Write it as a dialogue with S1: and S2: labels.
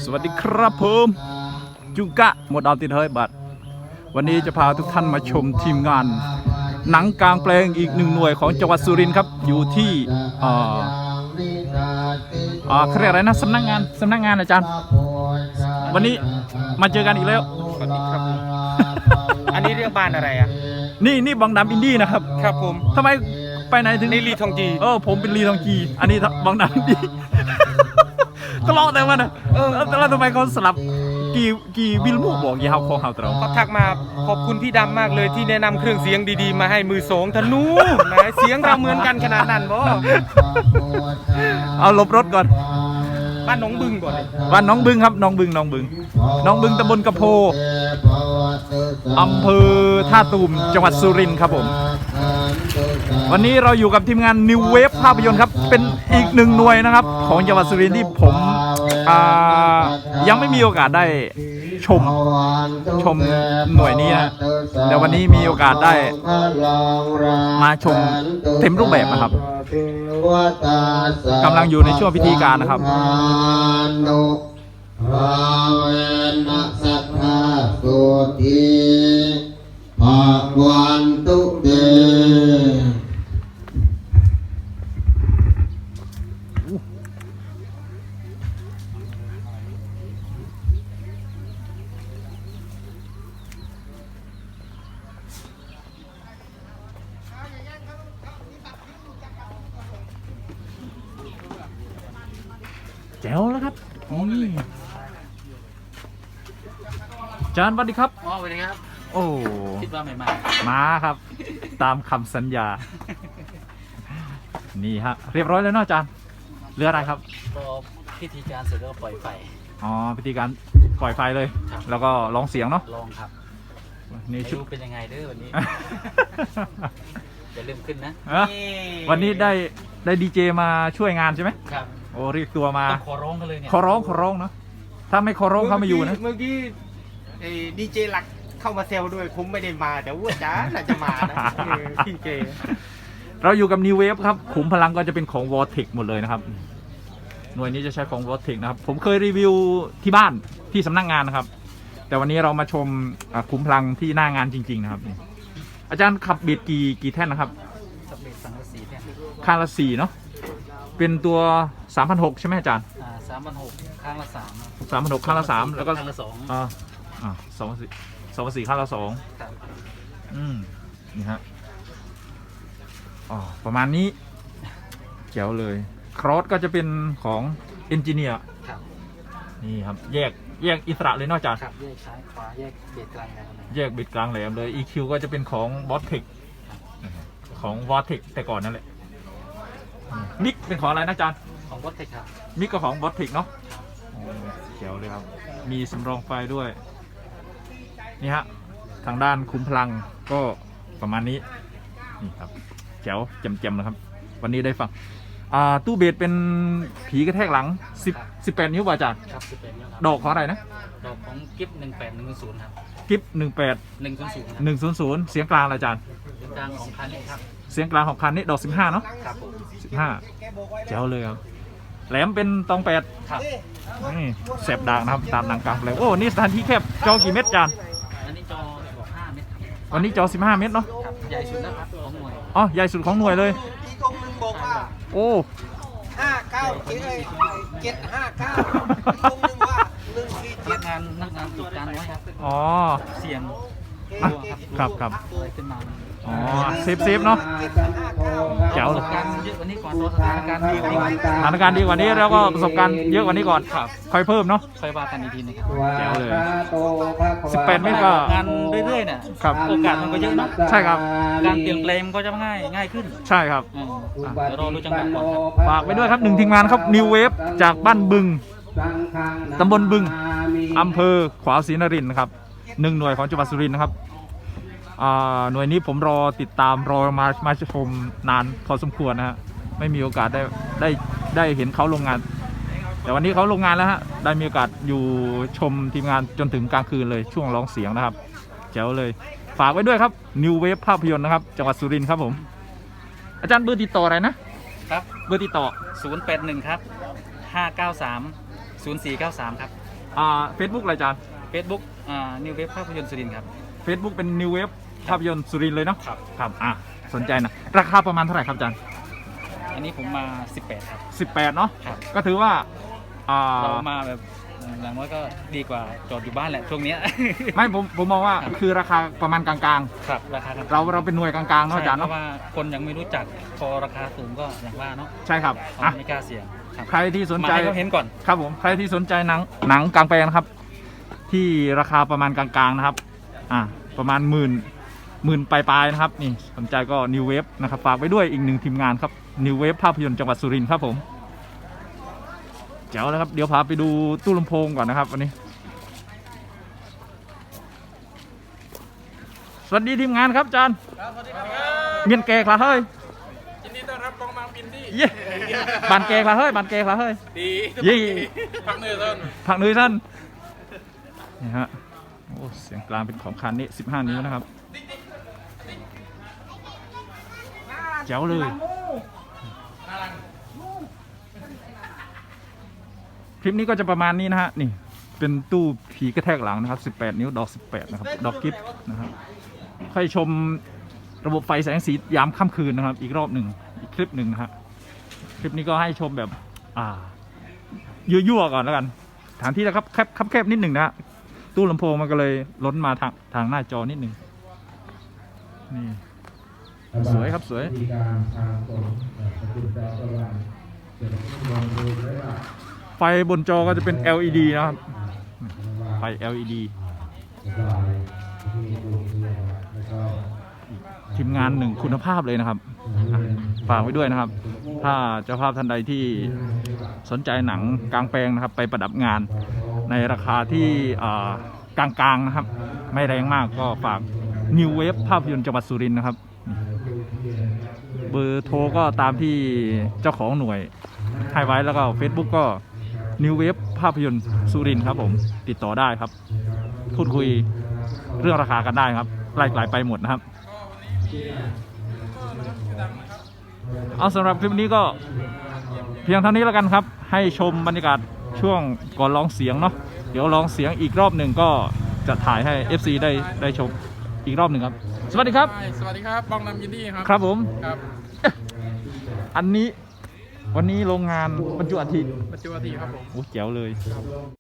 S1: วัสดีครับผมจุกะหมดเอาติดเฮ้ยบัตรวันนี้จะพาทุกท่านมาชมทีมงานหนังกลางแปลงอีกหนึ่งหน่วยของจังหวัดสุรินทร์ครับอยู่ที่เขาเรียกอะไรนะสำนักงานอาจารย์วันนี้มาเจอกันอีกแล้ว
S2: สวัสดีครับผมอันนี้เรียกบ้านอะไรอ่ะ
S1: นี่บองดำอินดี้นะครับ
S2: ครับผม
S1: ทำไมไปไหนถึง
S2: นี่ลีทองจี
S1: ผมเป็นลีทองจีอันนี้บองดำอินดี้ตลอดแต่มันแล้วทำไมเขาสลับกี่วิลมูบอกยี่ห้อของเขาตรง
S2: เขาทักมาขอบคุณพี่ดำมากเลยที่แนะนำเครื่องเสียงดีๆมาให้มือสองธนูไหนเสียงเราเหมือนกันขนาดนั้นบ่
S1: เอาลบรถก่อน
S2: บ้านน้องบึงก่อนเลย
S1: บ้านน้องบึงครับน้องบึงตำบลกระโพอำเภอท่าตูมจังหวัดสุรินทร์ครับผมวันนี้เราอยู่กับทีมงาน New Wave ภาพยนตร์ครับเป็นอีกหนึ่งหน่วยนะครับของจังหวัดสุรินทร์ที่ผมยังไม่มีโอกาสได้ชมหน่วยนี้นะแต่วันนี้มีโอกาสได้มาชมเต็มรูปแบบนะครับกำลังอยู่ในช่วงพิธีการนะครับภาวันตุเตแจ๋วแล้วครับจานสวัสดีครับ
S3: สวัสดีครับ
S1: โอ้
S3: คิดว่าไม่
S1: มาครับตามคำสัญญานี่ฮะเรียบร้อยแล้วเนาะอาจารย์เรืออะไรครับ
S3: ก็พิธีการเสร็จแล้วปล่อยไฟ
S1: พิธีการปล่อยไฟเลยแล้วก็ร้องเสียงเนาะ
S3: ลองครับ
S1: นี่ชุด
S3: เป็นยังไงเด้อวันนี้จะลืมขึ้นนะ
S1: วันนี้ได้ดีเจมาช่วยงานใช่ไหม
S3: ครับ
S1: โอ้เรียกตัวมา
S3: ขอร้องกันเลยเนี่ย
S1: ขอร้องเนาะถ้าไม่ขอร้องเขาไม่อยู่นะ
S2: เมื่อกี้ดีเจหลักเข้ามาเซลด้วยผมไม่ได้มาแต่ว่าจ้าน่าจะมานะพี่เจ
S1: เราอยู่กับ New Wave ครับขุมพลังก็จะเป็นของ Vortex หมดเลยนะครับหน่วยนี้จะใช้ของ Vortex นะครับผมเคยรีวิวที่บ้านที่สำนักงานนะครับแต่วันนี้เรามาชมขุมพลังที่หน้างานจริงๆนะครับอาจารย์ขับเบียดกี่แท่นนะครับ
S3: ขับเบียดสังกะสีแท่น
S1: ข้างละ4เนาะเป็นตัว 3,600 ใช่ไหมอาจารย์
S3: 3,600ข้างละ3
S1: 3,600ข้างละ3แล้วก็
S3: ข้างละ
S1: 2,400ข้างละ2
S3: ครับ
S1: นี่ฮะประมาณนี้เจ๋วเลยครอสก็จะเป็นของเอนจิเนียร์นี่ครับแยกอิสระเลยนอกจาก
S3: แยกซ้ายขวาแยกเบียดกลางแหลม
S1: แยกเบียดกลางแหลมเลย EQ ก็จะเป็นของ Vortex ของ Vortex แต่ก่อนนั่นแหละมิกเป็นของอะไรนะอาจารย์
S3: ของ Vortex ครับ
S1: มิกก็ของ Vortex เนาะเจ๋วเลยครับมีสำรองไฟด้วยนี่ฮะทางด้านคุ้มพลังก็ประมาณนี้นี่ครับแจ๋วแจ่มๆนะครับวันนี้ได้ฟังตู้เบสเป็นผีกระแทกหลัง18 นิ้วป่ะอาจารย์
S3: ครับ18 นิ้วครับ
S1: ดอกของอะไรนะ
S3: ดอกของกิฟ18100ครับ
S1: กิฟ
S3: 18100
S1: เสียงกลางอาจารย์
S3: เสียงกลางของคันนี้ครับ
S1: เสียงกลางของคันนี้ดอก15เนาะ
S3: ครับผม
S1: 15แจ๋วเลยครับแหลมเป็นตอง8
S3: ครับ
S1: นี่แสบด่างนะครับตามหนังกลางเลยโอ้นี่สถานที่แคบจอกี่เมตรอาจารย์
S3: อันนี้จอ15 เมตร
S1: วันนี้จอ15 เมตรเนาะ
S3: ใหญ่สุดนะครับของหน่วย
S1: ใหญ่สุดของหน่วยเลย
S2: อีกตรงนึงบอกว่า
S1: โอ้
S2: 759อีกตรงนึงว่า
S3: นักงานจุดการไว้ครับเสียง
S1: ครับ
S3: ขึ้นมา
S1: เซฟเนาะเจ๋วเลย
S3: การเยอะกว่านี้ก่อนสถานการณ์ดีก
S1: ว่านี้แล้วก็ประสบการณ์เยอะกว่านี้ก่อนค่อยเพิ่มเนาะ
S3: ค่อยว่ากันอีกทีนึง
S1: แจ๋วเลย18 เมตรก็
S3: งานเรื่อยๆเนี่ยโอกาสมันก็เยอะเนาะ
S1: ใช่ครับ
S3: การเปลี่ยนแปลงก็จะง่ายขึ้น
S1: ใช่ครับ
S3: เดี๋ยวรอดูจังหวะก่อน
S1: ฝากไปด้วยครับ1ทีมงานครับ New Wave จากบ้านบึงตำบลบึงอำเภอขวาวศรีนครินทร์นะครับ1หน่วยของจังหวัดสุรินทร์นะครับหน่วยนี้ผมรอติดตามมาชมนานพอสมควรนะฮะไม่มีโอกาสได้เห็นเขาลงงานแต่วันนี้เขาลงงานแล้วฮะได้มีโอกาสอยู่ชมทีมงานจนถึงกลางคืนเลยช่วงร้องเสียงนะครับแจ๋วเลยฝากไว้ด้วยครับ New Wave ภาพยนตร์นะครับจังหวัดสุรินทร์ครับผมอาจารย์เบอร์ติดต่ออะไรนะครับเบอร์ติดต่อ
S3: 081ครับ593 0493ครับ
S1: Facebook อะไรอาจารย์
S3: Facebook New Wave ภาพยนตร์สุรินทร์ครับ
S1: Facebook เป็น New Wave ภาพยนตร์สุรินทร์เลยเนาะ
S3: ครับ
S1: ครับสนใจนะราคาประมาณเท่าไหร่ครับอาจารย์
S3: อันนี้ผมมา18ครับ
S1: 18เนาะ
S3: ครับ
S1: ก็ถือว่า
S3: เรามาแบบอย่างน้อยก็ดีกว่าจอดอยู่บ้านแหละช่วงเนี้ย
S1: ไม่ผมมองว่าคือราคาประมาณกลาง
S3: ครับราคา
S1: ๆ เราเป็นหน่วยกลางๆเนาะอาจารย์
S3: เพ
S1: เนาะ
S3: ราะว่าคนยังไม่รู้จักพอราคาสูงก็อย่างว่าเนาะ
S1: ใช่ครับ
S3: เขาไม่กล้าเสี่ยงครับ
S1: ใครที่สน
S3: มา
S1: ใจ
S3: ให้เขาเห็นก่อน
S1: ครับผมใครที่สนใจหนังกลางแปลงนะครับ ที่ราคาประมาณกลางๆนะครับประมาณหมื่นปลายๆนะครับนี่สนใจก็ New Wave นะครับฝากไว้ด้วยอีกหนึ่งทีมงานครับ New Wave ภาพยนตร์จังหวัดสุรินทร์ครับผมเจ๋วแล้วครับเดี๋ยวพาไปดูตู้ลำโพงก่อนนะครับวันนี้สวัสดีทีมงานครับอาจารย์เมียนเกคลาเฮ้ย
S2: ยินดีต้อนรับกองมาบินดี้
S1: เย่บานเกคลาเฮ้ยบานเกคลาเฮ้ย
S2: ดี
S1: ยี่
S2: พักเหนื่อยต้น
S1: ผักนุ้ยท่านนี่ฮะโอ้เสียงกลางเป็นของคันนี้15 นิ้วนะครับแจ๋วเลยคลิปนี้ก็จะประมาณนี้นะฮะนี่เป็นตู้ผีกระแทกหลังนะครับ18 นิ้วดอก18นะครับดอกกิฟต์นะครับค่อยชมระบบไฟแสงสียามค่ำคืนนะครับอีกรอบหนึ่งอีกคลิปหนึ่งนะฮะคลิปนี้ก็ให้ชมแบบยั่วๆก่อนแล้วกันฐานที่นะครับแคบนิดหนึ่งนะฮะตู้ลำโพงมันก็เลยล้นมาทางหน้าจอนิดหนึ่งนี่สวยครับสวยไฟบนจอก็จะเป็น LED นะครับไฟ LED ทีมงานหนึ่งคุณภาพเลยนะครับฝากไว้ด้วยนะครับถ้าเจ้าภาพท่านใดที่สนใจหนังกลางแปลงนะครับไปประดับงานในราคาที่กลางๆนะครับไม่แรงมากก็ฝาก New Wave ภาพยนตร์จังหวัดสุรินทร์นะครับเบอร์โทรก็ตามที่เจ้าของหน่วยให้ไว้แล้วก็ Facebook ก็ New Wave ภาพยนตร์สุรินทร์ครับผมติดต่อได้ครับพูดคุยเรื่องราคากันได้ครับไล่ไปหมดนะครับเอาสำหรับคลิปนี้ก็เพียงเท่านี้แล้วกันครับให้ชมบรรยากาศช่วงก่อนร้องเสียงเนาะเดี๋ยวร้องเสียงอีกรอบหนึ่งก็จะถ่ายให้ FC ได้ชมอีกรอบหนึ่งครับสวัสดีครับ
S2: สวัสดีครับบองนำยินดีครับ
S1: ครับผม
S2: ครับ
S1: อันนี้วันนี้โรงงานบรรจุอัฐิ
S2: ปัจจุบันครับผม
S1: โอ้เจ๋วเลย